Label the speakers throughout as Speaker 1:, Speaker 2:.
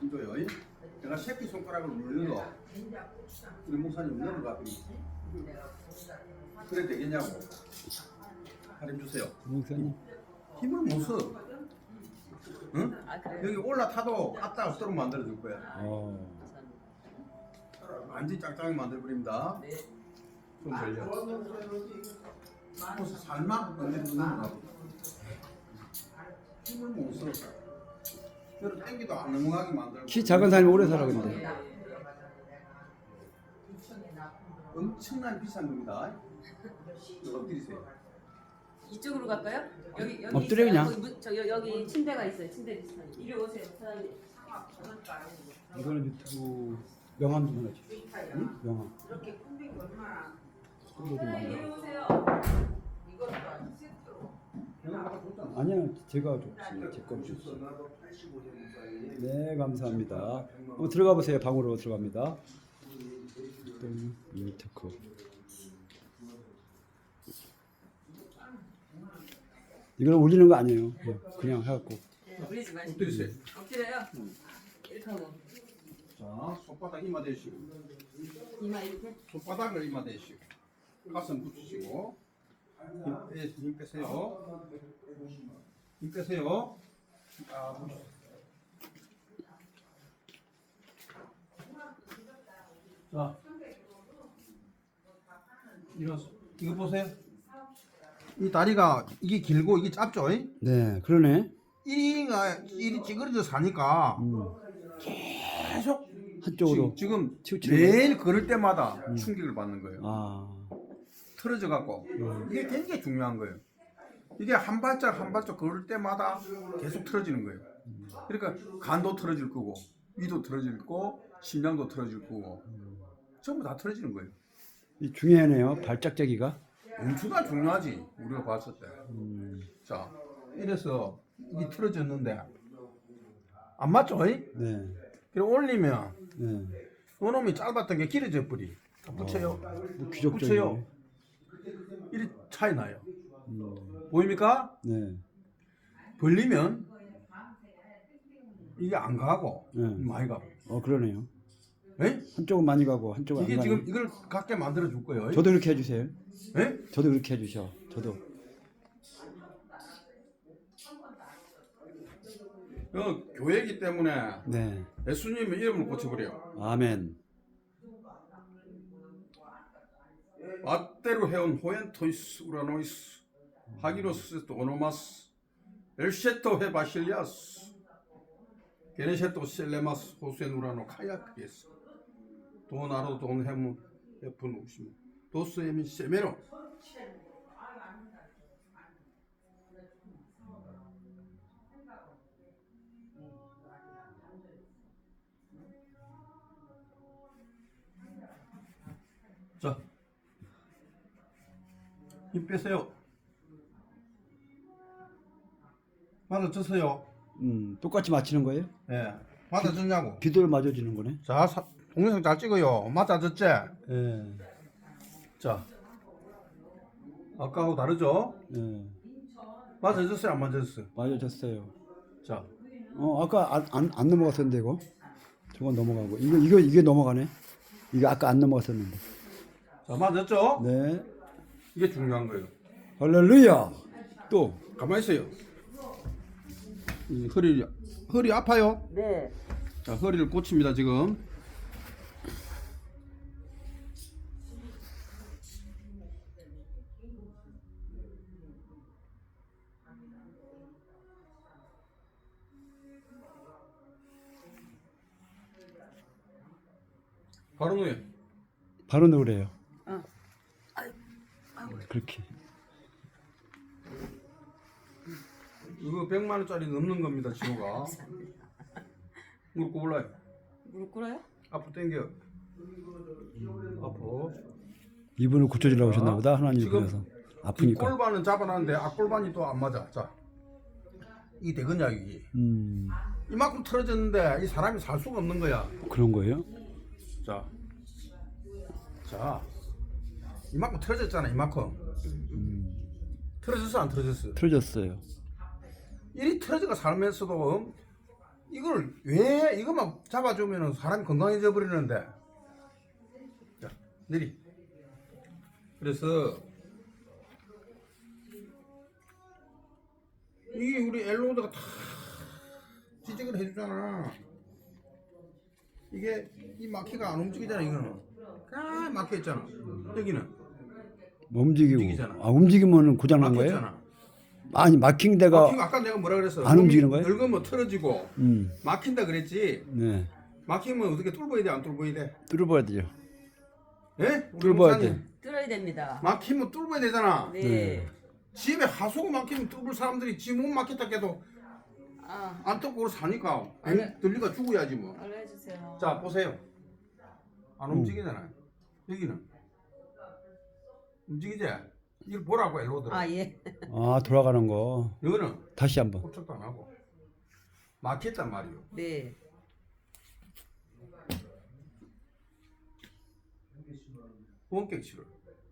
Speaker 1: 힘줘요. 내가 새끼 손가락을 눌러. 우리 목사님 넘어가. 그래 되겠냐고. 할인 주세요.
Speaker 2: 목사님.
Speaker 1: 힘을 못 써. 응? 여기 올라타도 깝다 없도록 만들어줄 거야. 완전 짱짱하게 만들어버립니다. 좀 걸려. 그래서 살만 건드리는 힘을 못 써. 그래서 땡기도 안 넘어가게 만들고.
Speaker 2: 키 작은 사람이 오래 살아 근데.
Speaker 1: 엄청난 비싼 겁니다. 엎드리세요.
Speaker 3: 이쪽으로 갈까요? 여기
Speaker 2: 엎드려,
Speaker 3: 있어요.
Speaker 2: 그냥.
Speaker 3: 여기 침대가 있어요. 침대 비슷한. 이리 오세요, 사장님.
Speaker 2: 이거는 유튜브 명함 좀 하나 주세요. 응? 명함.
Speaker 3: 이렇게 콤비가 얼마나?
Speaker 2: 좀 많이.
Speaker 3: 이리 오세요. 이것도 아니 세트로.
Speaker 2: 아니야, 제가 줬지. 제거 줬어. 네, 감사합니다. 한번 들어가 보세요. 방으로 들어갑니다. 이미테크. 이걸 올리는 거 아니에요. 그냥 해갖고.
Speaker 3: 올리지 마시고.
Speaker 1: 엎드리세요.
Speaker 3: 엎드려요. 이렇게 하고.
Speaker 1: 자, 손바닥 이마 대시고.
Speaker 3: 이마 이렇게.
Speaker 1: 손바닥을 이마 대시고. 가슴 붙이시고. 힘 빼세요. 힘 빼세요. 아, 자, 이거 보세요. 이 다리가 이게 길고 이게 짧죠?
Speaker 2: 네, 그러네.
Speaker 1: 이리 찌그러져 사니까 계속
Speaker 2: 한쪽으로.
Speaker 1: 지금
Speaker 2: 치우치는
Speaker 1: 매일 걸을 때마다 충격을 받는 거예요.
Speaker 2: 아,
Speaker 1: 틀어져 갖고 이게 굉장히 중요한 거예요. 이게 한 발짝 한 발짝 걸을 때마다 계속 틀어지는 거예요. 그러니까 간도 틀어질 거고 위도 틀어질 거고 심장도 틀어질 거고 전부 다 틀어지는 거예요.
Speaker 2: 이 중요하네요. 발짝짝이가.
Speaker 1: 엄청나 중요하지 우리가 봤을 때. 자, 이래서 이게 틀어졌는데 안 맞죠?
Speaker 2: 네,
Speaker 1: 그래 올리면
Speaker 2: 네.
Speaker 1: 요놈이 짧았던 게 길어져 버리. 붙여요.
Speaker 2: 뭐 귀족적이네.
Speaker 1: 붙여요. 이리 차이 나요. 보입니까?
Speaker 2: 네,
Speaker 1: 벌리면 이게 안 가고
Speaker 2: 네.
Speaker 1: 많이 가고.
Speaker 2: 그러네요.
Speaker 1: 에?
Speaker 2: 한쪽은 많이 가고 한쪽은 안
Speaker 1: 이게
Speaker 2: 가네.
Speaker 1: 지금 이걸 갖게 만들어 줄 거예요.
Speaker 2: 저도 그렇게 해주세요.
Speaker 1: 에?
Speaker 2: 저도 그렇게 해주셔. 저도.
Speaker 1: 교회이기 때문에
Speaker 2: 네.
Speaker 1: 예수님의 이름을 고쳐버려요.
Speaker 2: 아멘.
Speaker 1: 아테로 해온 호엔토이스 우라노이스 하기로스 오노마스 엘셰토 헤바실리아스 게네셰토 셀레마스 호센 우라노 카야크게스 도나로 돈 헤무 에푼 우시무 도스 에민 세메로. 자, 힘 빼세요. 맞아졌어요.
Speaker 2: 똑같이 맞히는 거예요?
Speaker 1: 예, 맞아졌냐고.
Speaker 2: 비도를 맞아주는 거네.
Speaker 1: 자, 동영상 잘 찍어요. 맞아졌지?
Speaker 2: 예.
Speaker 1: 자, 아까하고 다르죠?
Speaker 2: 예.
Speaker 1: 맞아졌어요? 안 맞아졌어요?
Speaker 2: 맞아졌어요.
Speaker 1: 자,
Speaker 2: 아까 안 넘어갔었는데 이거. 저건 넘어가고 이게 넘어가네. 이게 아까 안 넘어갔었는데.
Speaker 1: 자, 맞았죠?
Speaker 2: 네.
Speaker 1: 이게 중요한 거예요.
Speaker 2: 할렐루야. 또.
Speaker 1: 가만히 있어요. 이 허리 아파요?
Speaker 3: 네.
Speaker 1: 자, 허리를 고칩니다, 지금. 바로 누에.
Speaker 2: 바로 넣으래요.
Speaker 3: 어.
Speaker 2: 그렇게.
Speaker 1: 이거 100만 원짜리 넘는 겁니다, 지호가. 무릎 꿇어요.
Speaker 3: 무릎 꿇어요?
Speaker 1: 앞으로 당겨. 앞으로.
Speaker 2: 이분을 고쳐주려고 하셨나 보다. 하나님
Speaker 1: 지금
Speaker 2: 그래서
Speaker 1: 이
Speaker 2: 아프니까.
Speaker 1: 골반은 잡아놨는데 앞골반이 또 안 맞아. 자, 이 대근약이 이만큼 틀어졌는데 이 사람이 살 수가 없는 거야.
Speaker 2: 그런 거예요?
Speaker 1: 자, 이만큼 틀어졌잖아. 이만큼. 틀어졌어 안 틀어졌어?
Speaker 2: 틀어졌어요.
Speaker 1: 이리 틀어져가 살면서도 이걸 왜 이것만 잡아주면 사람이 건강해져 버리는데. 자, 내리. 그래서 이게 우리 엘로드가 다 지적을 해주잖아. 이게 이 마키가 안 움직이잖아. 이거는 다 막혀 있잖아. 여기는
Speaker 2: 움직이고.
Speaker 1: 움직이잖아.
Speaker 2: 아 움직이면 고장 난 거예요?
Speaker 1: 막혔잖아.
Speaker 2: 아니 막힌 데가
Speaker 1: 막히고 아까 내가 뭐라 그랬어?
Speaker 2: 안 움직이는 거예요?
Speaker 1: 늙으면 틀어지고
Speaker 2: 음.
Speaker 1: 막힌다 그랬지.
Speaker 2: 네.
Speaker 1: 막히면 어떻게 뚫어야 돼? 안 뚫어야 돼?
Speaker 2: 뚫어봐야 되죠.
Speaker 1: 예? 우리
Speaker 2: 뚫어봐야
Speaker 1: 목사님,
Speaker 2: 돼.
Speaker 3: 들어야 됩니다.
Speaker 1: 막히면 뚫어야 되잖아.
Speaker 3: 네.
Speaker 2: 네.
Speaker 1: 집에 하수구 막히면 뚫을 사람들이 지 못 막혔다 해도
Speaker 3: 아,
Speaker 1: 안 뚫고 사니까
Speaker 3: 네.
Speaker 1: 들리가 죽어야지 뭐.
Speaker 3: 알려주세요.
Speaker 1: 자 보세요. 안 움직이잖아요. 여기는 움직이지? 이걸 보라고 엘로드로.
Speaker 3: 아, 예.
Speaker 2: 아 돌아가는 거.
Speaker 1: 이거는
Speaker 2: 다시 한번.
Speaker 1: 꼼짝도 안 하고 막혔단 말이요.
Speaker 3: 네.
Speaker 1: 원격치를.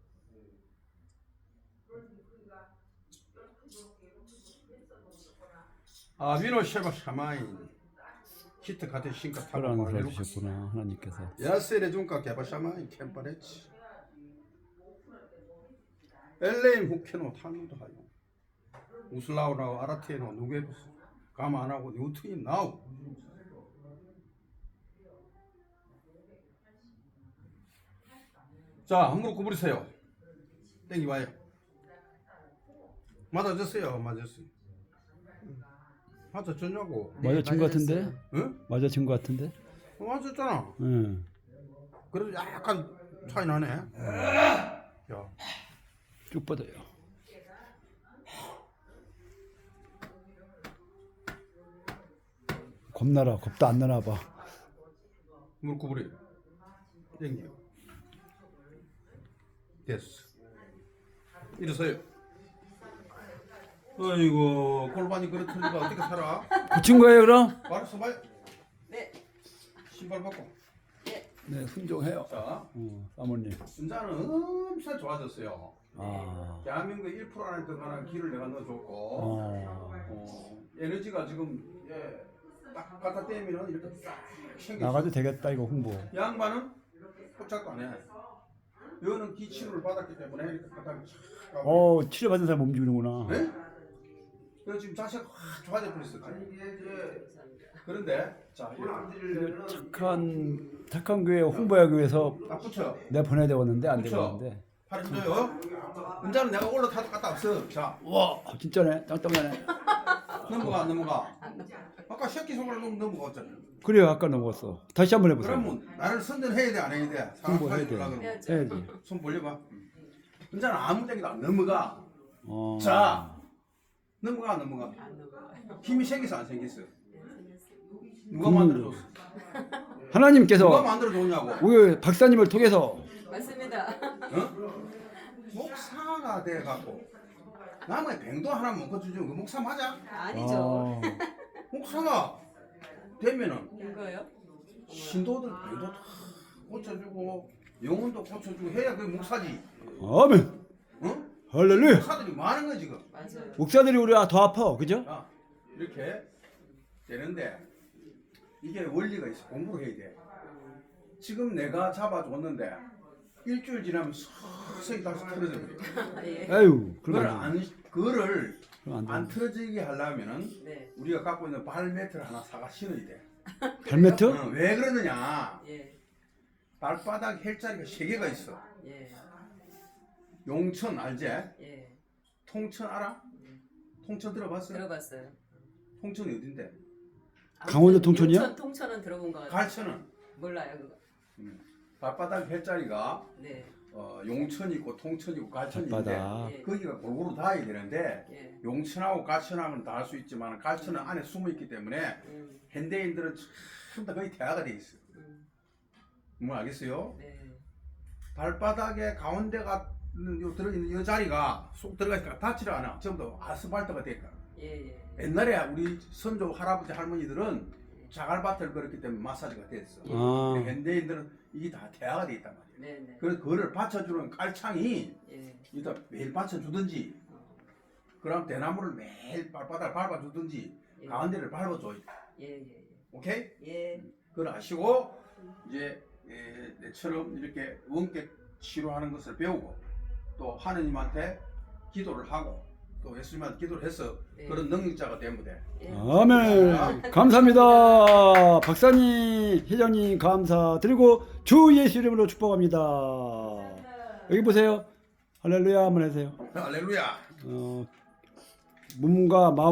Speaker 1: 아 미노 쉐바 샤마인 히트 같은 신가 타고
Speaker 2: 그런
Speaker 1: 말로
Speaker 2: 걸 주셨구나 하나님께서.
Speaker 1: 야세레 중가 개바 샤마인 캠파레치 엘레임 후케노 타누도 하요 우슬라우라우 아라테노 누게부스 가마 안 하고 뉴트인 나우. 자, 한 무릎 구부리세요. 땡기 와요. 맞아졌어요. 맞았어요. 맞아졌냐고.
Speaker 2: 맞아진 것 같은데?
Speaker 1: 응?
Speaker 2: 맞아진 것 같은데?
Speaker 1: 맞았잖아.
Speaker 2: 응.
Speaker 1: 그래도 약간 차이 나네. 야,
Speaker 2: 쭉 뻗어요. 겁나라. 겁도 안 나나 봐.
Speaker 1: 무릎 구부리. 땡겨. 됐어. 일어서요. 아이고 골반이 그렇다니까 어떻게 살아?
Speaker 2: 고친 거예요 그럼?
Speaker 1: 바로 서봐요.
Speaker 3: 네.
Speaker 1: 신발 벗고.
Speaker 2: 네, 순종해요.
Speaker 1: 자,
Speaker 2: 사모님.
Speaker 1: 운전은 엄청 좋아졌어요.
Speaker 2: 아.
Speaker 1: 대한민국 1% 안에 들어가는 기를 내가 넣어줬고 에너지가 지금 딱 갖다 떼면 이렇게 쫙 생겼어.
Speaker 2: 나가도 되겠다 이거 홍보.
Speaker 1: 양반은 꼼짝도 안 해. 이거는 기치료를 받았기 때문에 이렇게 갖다
Speaker 2: 치료 받은 사람 움직이는구나.
Speaker 1: 네? 그래서 지금 자세가 확 좋아져 버렸어. 그런데 자
Speaker 2: 착한 교회 홍보하기 위해서
Speaker 1: 딱 붙여.
Speaker 2: 내 보내야 되었는데 안
Speaker 1: 그쵸?
Speaker 2: 되었는데.
Speaker 1: 팔 힘줘요. 운전은 내가 올라타도 갖다 없어. 자
Speaker 2: 와 진짜네. 짱짱하네.
Speaker 1: 넘어가. 아까 새끼 손가락 넘어갔잖아.
Speaker 2: 그래요 아까 넘어갔어. 다시 한번 해보세요.
Speaker 1: 그러면 나를 선전해야 돼 안 해야 돼?
Speaker 2: 홍보해야 돼.
Speaker 1: 그러면
Speaker 2: 해야지.
Speaker 1: 손 벌려봐. 운전은 아무 데기도 안 넘어가.
Speaker 2: 어.
Speaker 1: 자 넘어가.
Speaker 3: 안 넘어가요.
Speaker 1: 힘이 생겼어 안 생겼어? 누가
Speaker 2: 그-
Speaker 1: 만들어줬어? 누가
Speaker 2: 하나님께서
Speaker 1: 만들어줬냐고?
Speaker 2: 우리 박사님을 통해서
Speaker 3: 맞습니다.
Speaker 1: 어? 목사가 돼갖고 남의 병도 하나 먹어주지 그 목사 맞아?
Speaker 3: 아니죠.
Speaker 2: 어.
Speaker 1: 목사가 되면은
Speaker 3: 이거요?
Speaker 1: 신도들 병도 다 고쳐주고 영혼도 고쳐주고 해야 그게 목사지.
Speaker 2: 아멘.
Speaker 1: 어?
Speaker 2: 할렐루야.
Speaker 1: 목사들이 많은 거야 지금.
Speaker 3: 맞아요.
Speaker 2: 목사들이 우리 더 아파, 그죠?
Speaker 1: 자, 이렇게 되는데 이게 원리가 있어. 공부를 해야 돼. 지금 내가 잡아줬는데 일주일 지나면 서서히 다시 틀어져 버려.
Speaker 3: 예.
Speaker 2: 아유,
Speaker 1: 그거를
Speaker 2: 그럼 안 돼.
Speaker 1: 안 틀어지게 하려면은
Speaker 3: 네.
Speaker 1: 우리가 갖고 있는 발매트를 하나 사가 신어야 돼.
Speaker 2: 발매트?
Speaker 1: 왜 그러느냐?
Speaker 3: 예.
Speaker 1: 발바닥 헬자리가 3개가 있어.
Speaker 3: 예.
Speaker 1: 용천 알지?
Speaker 3: 예.
Speaker 1: 통천 알아? 통천 들어봤어?
Speaker 3: 들어봤어요.
Speaker 1: 통천이 어딘데?
Speaker 2: 강원도 통천이요?
Speaker 3: 통천은 들어본 것 같아요.
Speaker 1: 갈천은
Speaker 3: 몰라요 그거.
Speaker 1: 발바닥 헬자리가
Speaker 3: 네.
Speaker 1: 용천이 있고 통천이 있고 갈천이 있는데
Speaker 2: 발바닥.
Speaker 3: 예.
Speaker 1: 거기가 골고루 닿아야 되는데
Speaker 3: 예.
Speaker 1: 용천하고 갈천하고는 닿을 수 있지만 갈천은 안에 숨어 있기 때문에 현대인들은 전부 다 거의 대화가 돼 있어. 뭐 알겠어요?
Speaker 3: 네.
Speaker 1: 발바닥에 가운데가 들어있는 이 자리가 쏙 들어가니까 닿지를 않아. 전부 다 아스팔트가 되니까.
Speaker 3: 예. 예.
Speaker 1: 옛날에 우리 선조 할아버지 할머니들은 자갈밭을 걸었기 때문에 마사지가 됐어.
Speaker 2: 아.
Speaker 1: 근데 현대인들은 이게 다 대화가 돼 있단 말이야.
Speaker 3: 네. 네.
Speaker 1: 그래서 그거를 받쳐주는 깔창이
Speaker 3: 예.
Speaker 1: 일단 매일 받쳐주든지 그럼 대나무를 매일 발바닥을 밟아주든지
Speaker 3: 예.
Speaker 1: 가운데를 밟아줘.
Speaker 3: 예. 예.
Speaker 1: 오케이?
Speaker 3: 예.
Speaker 1: 그걸 아시고 이제 내처럼 이렇게 원격 치료하는 것을 배우고 또 하느님한테 기도를 하고 또 예수님한테 기도를 해서
Speaker 3: 네.
Speaker 1: 그런 능력자가 되면 돼.
Speaker 3: 예.
Speaker 2: 아멘. 감사합니다. 박사님, 회장님 감사드리고 주 예수 이름으로 축복합니다. 여기 보세요. 할렐루야 한번 해주세요.
Speaker 1: 할렐루야.
Speaker 2: 몸과 마음